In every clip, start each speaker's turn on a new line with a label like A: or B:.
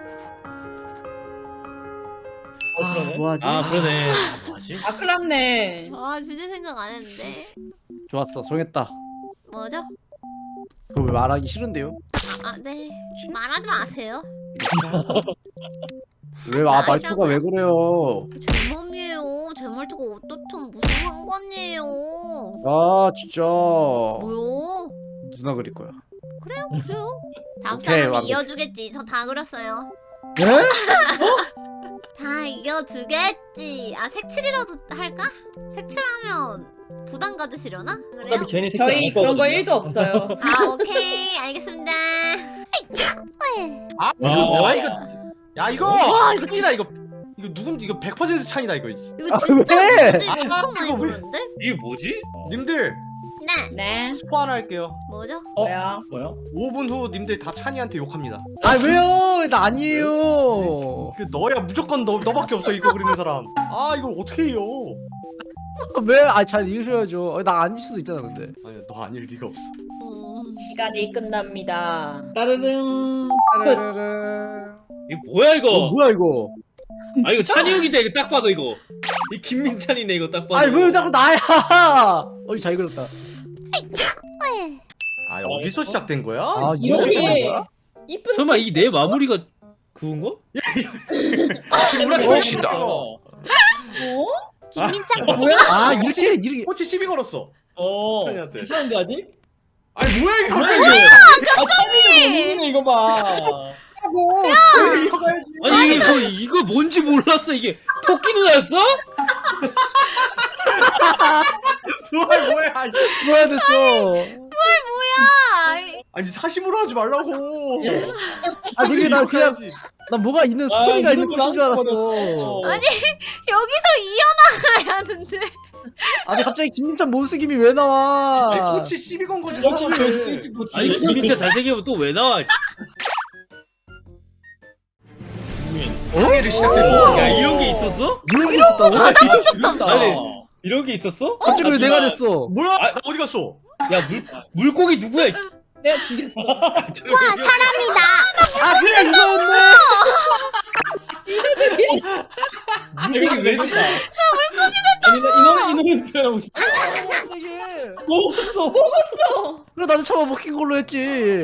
A: 그러네.
B: 뭐하지?
C: 그러네. 뭐하지?
A: 아 큰일 났네.
D: 아 주제 생각 안 했는데.
B: 좋았어, 정했다.
D: 뭐죠?
B: 그거 왜 말하기 싫은데요?
D: 네. 말하지 마세요.
B: 말투가 왜 그래요?
D: 제 맘이에요. 제 말투가 어떻든 무슨 상관이에요.
B: 아 진짜
D: 뭐요?
B: 누나 그릴 거야.
D: 그래요. 다음
B: 오케이,
D: 사람이
B: 완벽해.
D: 이어주겠지. 저 다 그렸어요.
B: 네?
D: 다 이겨주겠지. 색칠이라도 할까? 색칠하면 부담 가지시려나? 그래요?
A: 어차피 쟤네 색깔 저희 그런 거 1도 없어요.
D: 오케이. 알겠습니다.
E: 이거
D: 와, 이거
E: 찬이다 이거 누군 이거 100% 찬이다 이거.
D: 이거 진짜
B: 왜?
D: 뭐지? 엄청 많이
E: 이거 왜?
D: 그렸는데?
C: 이게 뭐지?
E: 님들
D: 네.
A: 네.
E: 스포 하나 할게요.
D: 뭐죠?
A: 뭐야?
E: 5분 후 님들 다 찬이한테 욕합니다.
B: 아 왜요? 나 아니에요.
E: 그 너야 무조건 너밖에 없어 이거 그리는 사람. 이걸 어떻게 해요?
B: 왜? 잘 읽으셔야죠. 나 아닐 수도 있잖아 근데.
E: 아니 너 아닐 리가 없어.
A: 시간이 끝납니다. 따르릉.
C: 이거 뭐야 이거?
B: 뭐야 이거?
C: 이거 찬이 형이다 이거 딱 봐도 이거. 이 김민찬이네 이거 딱 봐도.
B: 아니 왜 자꾸 나야? 잘 그렸다.
E: 여기서 시작된 거야?
B: 이렇게 시작된 거야?
A: 이쁜.
C: 설마 이 내 마무리가 그건가?
E: 멋있다.
A: 뭐?
D: 김민찬
B: 아 이렇게
E: 꼬치 시비 걸었어. 찬이한테.
A: 괜찮은데 아직?
E: 아니 뭐야 이거
A: 찬이가 고민이네 이거 봐.
C: 아니 이거 뭔지 몰랐어 이게 토끼 누나였어?
E: 뭐야
B: 뭐야 됐어.
E: 아니 사심으로 하지 말라고.
B: 그게 나 그냥
E: 해야지.
B: 나 뭐가 있는 스토리가 있는 것인 줄 알았어.
D: 아니 여기서 이어나가야 하는데.
B: 아니 갑자기 김민찬 모습이 왜 나와?
E: 꼬치 시비 건 거지.
C: 아니 김민찬 잘생기면 또 왜 나와?
E: 항해를 시작된 거.
C: 야 이런 게 있었어?
B: 이런 게 있었다고?
C: 아니 이런 게 있었어?
B: 갑자기 왜 내가 됐어?
E: 뭐야? 나 어디 갔어?
C: 야 물고기 누구야?
A: 내가 죽였어.
D: 사람이다.
B: 그래 이거였네.
C: 물고기 왜 됐다?
A: 아니 나 이 노래 표현하고 싶어. 먹었어.
B: 그래 나도 처음 먹힌 걸로 했지.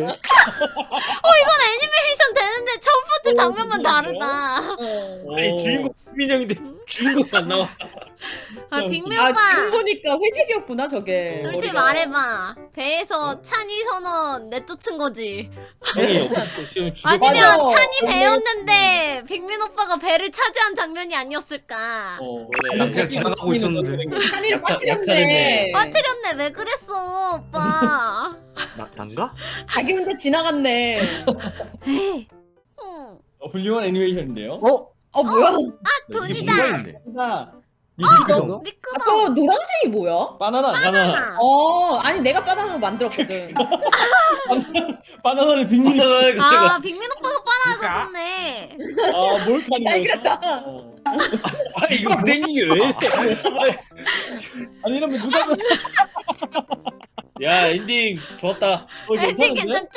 D: 이건 애니메이션 되는데 첫 번째 장면만 다르다.
C: 아니 주인공 김민영인데 주인공 안 나와.
D: 빅미
A: 지금
D: 오빠.
A: 보니까 회색이었구나 저게.
D: 솔직히 말해봐. 배에서 찬이 선언 내쫓은 거지.
C: 형이 없었어. 지금 죽여.
D: 아니면
A: 맞아.
D: 찬이 배였는데 빅민 오빠가 배를 차지한 장면이 아니었을까.
E: 난 그냥 지나가고 있었는데.
A: 찬이를 빠뜨렸네.
D: 빠뜨렸네. 왜 그랬어 오빠.
E: 난가?
A: 자기 혼자 지나갔네.
D: 에이. 응.
F: 훌륭한 애니메이션인데요.
A: 뭐야?
E: 이게
D: 돈이다.
E: 뭐가 있네.
F: 하나,
B: 미끄덩.
D: 미끄덩.
A: 또 노란색이 뭐야?
F: 바나나.
D: 바나나.
A: 아니 내가 바나나로 만들었거든.
F: 바나나를 빅민이.
D: 빅민 오빠가 바나나 사줬네.
F: 몰카는
A: 잘
F: 거였어?
A: 그렸다.
C: 아니 이거 생긴 게 왜 이래?
F: 아니 이러면 누가
C: 야 엔딩 좋았다.
D: 엔딩 괜찮지?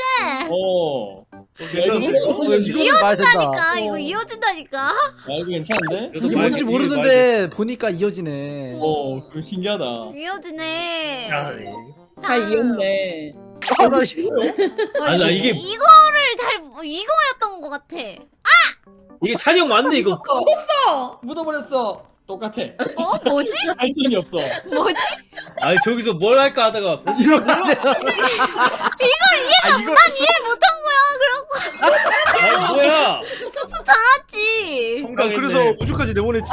B: 이거 말 된다.
D: 이어진다니까. 이거 이어진다니까.
F: 이거 괜찮은데?
B: 이게 뭔지 모르는데 보니까 이어지네.
F: 그거 신기하다.
D: 이어지네.
A: 잘 이었네.
C: 아니 나 이게
D: 이거였던 것 같아.
C: 이게 찬이 형 맞네 이거.
F: 묻어버렸어. 똑같아.
D: 뭐지?
F: 발전이 없어.
D: 뭐지?
C: 아니 저기서 뭘 할까 하다가
B: 이렇게 안 돼.
E: 이거
D: 이해를 못한 거야.
C: 아 뭐야?
D: 그럼 쑥쑥 자랐지.
E: 그래서 우주까지 내보냈지.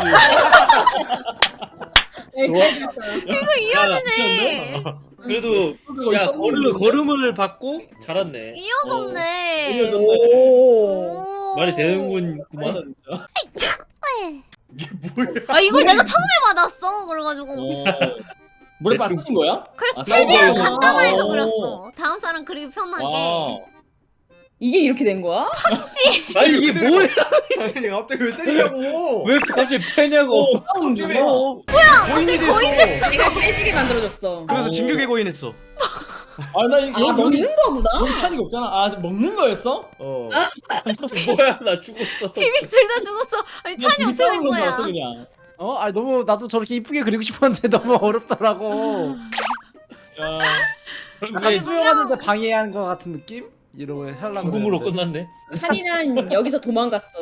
A: 잘 그렸어요.
D: 이거 이어지네.
C: 그래도 야 걸음을 받고 잘았네.
D: 이어졌네.
A: 오.
C: 말이 되는구만 진짜.
E: 이게 뭐야?
D: 이걸 내가 처음에 받았어. 그래가지고.
F: 물에 빠뜨린 거야?
D: 그래서
F: 아,
D: 최대한
F: 그렇구나.
D: 간단화해서 그렸어. 다음 사람 그리기 편하게.
A: 이게 이렇게 된 거야?
D: 혹시
C: 아니 이게 뭐야?
E: 아니 갑자기 왜 때리냐고.
C: 왜 갑자기 패냐고?
E: 싸우는데.
D: 거인이
E: 거인이 됐어.
A: 내가 세지게 만들어줬어.
E: 그래서 진격의 거인 했어.
F: 아나 이거
A: 아 먹는 거구나.
F: 여기 찬이가 없잖아. 아 먹는 거였어?
C: 뭐야 나 죽었어.
D: 비빅 둘 다 죽었어. 아니
F: 나
D: 찬이
F: 둘이
D: 어떻게 된
F: 싸우는 줄
D: 거야?
F: 알았어 그냥.
B: 아니 너무 나도 저렇게 이쁘게 그리고 싶었는데 너무 어렵더라고.
F: 야.
B: 약간
D: 아니,
B: 수영하는데 방해하는 것 같은 느낌? 이러고 하려고.
C: 죽음으로
B: 그랬는데.
C: 끝났네.
A: 찬이는 여기서 도망갔어.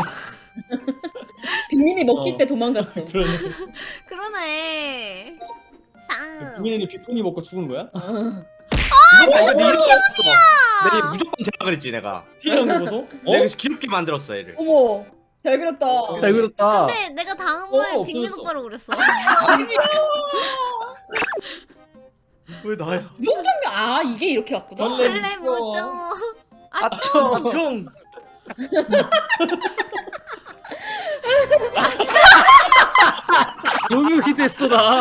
A: 빅민이 먹힐 때 도망갔어.
F: 그러네.
D: 그러네. 다음.
F: 국민이 비프니 먹고 죽은 거야?
E: 이거 네 이름이었어. 내가 무조건 제가 그랬지 내가.
F: 피해랑 먹어서?
E: 내가 그래서 귀엽게 만들었어 얘를.
A: 어머 잘 그렸다.
B: 잘 그렸다.
D: 근데 내가 다음을
F: 어,
D: 빅민
F: 없어졌어.
D: 오빠로 그렸어.
E: 왜 나야?
A: 이런 장면 아 이게 이렇게 왔구나.
D: 원래 뭐죠?
B: 아쵸.
E: 형.
B: 동육이 됐어 나.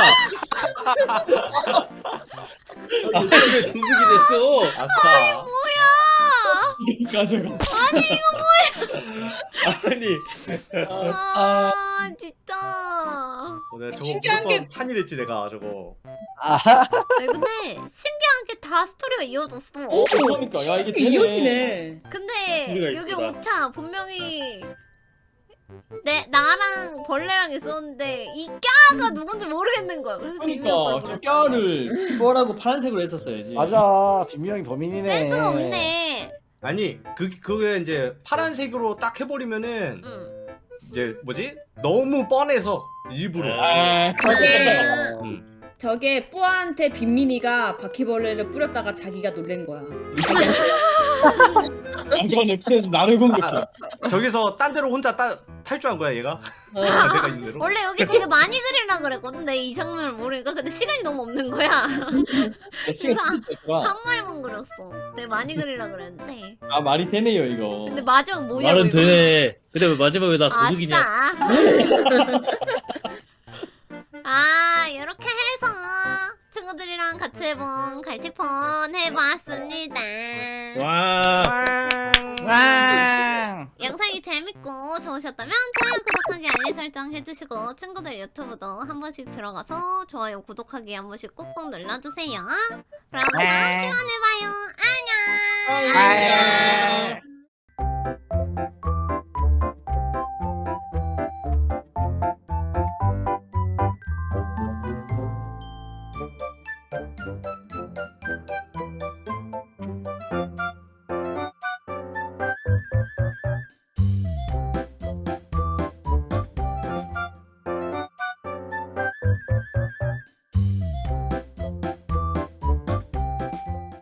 C: 아왜 동북이 됐어?
E: 아싸.
F: 가져가.
C: 아니
D: 아 진짜.
E: 내가 저거
A: 신기한
E: 무조건 찬이랬지 내가 저거.
D: 아니, 근데 신기한 게 다 스토리가 이어졌어.
F: 그러니까 야 이게
A: 이게
F: 되네.
A: 이어지네.
D: 근데
C: 스토리가
D: 여기
C: 있구나.
D: 옥차 분명히 나랑 벌레랑 있었는데 이 꺄가 누군지 모르겠는 거야. 그래서 빅민
F: 그러니까
D: 오빠로
F: 저
D: 그렸지.
F: 뼈를 이거라고 파란색으로 했었어야지.
B: 맞아. 빈명이 범인이네.
D: 센스가 없네.
E: 아니 그게 이제 파란색으로 딱 해버리면은
D: 응.
E: 이제 뭐지? 너무 뻔해서 일부러.
F: 아,
A: 저게 저게 뿌아한테 빅민이가 바퀴벌레를 뿌렸다가 자기가 놀란 거야.
F: 안 그러네. 그냥 나를 공격해.
E: 저기서 딴 데로 혼자 탈주한 거야 얘가.
A: 어.
E: 내가 있는 대로.
D: 원래 여기 되게 많이 그리려 그랬거든. 근데 이 장면을 모르니까 근데 시간이 너무 없는 거야.
F: 나 시간 진짜 있구나.
D: 한 마리만 그렸어. 내가 많이 그리려 그랬는데.
F: 아 말이 되네요 이거.
D: 근데 마지막 뭐야?
C: 말은 되네. 근데 왜 마지막에 나 도둑이냐?
D: 아 이렇게 해서 친구들이랑 같이 해본 갈틱폰 해봤습니다.
C: 와.
B: 왕.
D: 영상이 재밌고 좋으셨다면 좋아요, 구독하기, 알림 설정 해주시고 친구들 유튜브도 한 번씩 들어가서 좋아요, 구독하기 한 번씩 꾹꾹 눌러주세요. 그럼 다음 시간에 봐요. 안녕.
B: 안녕.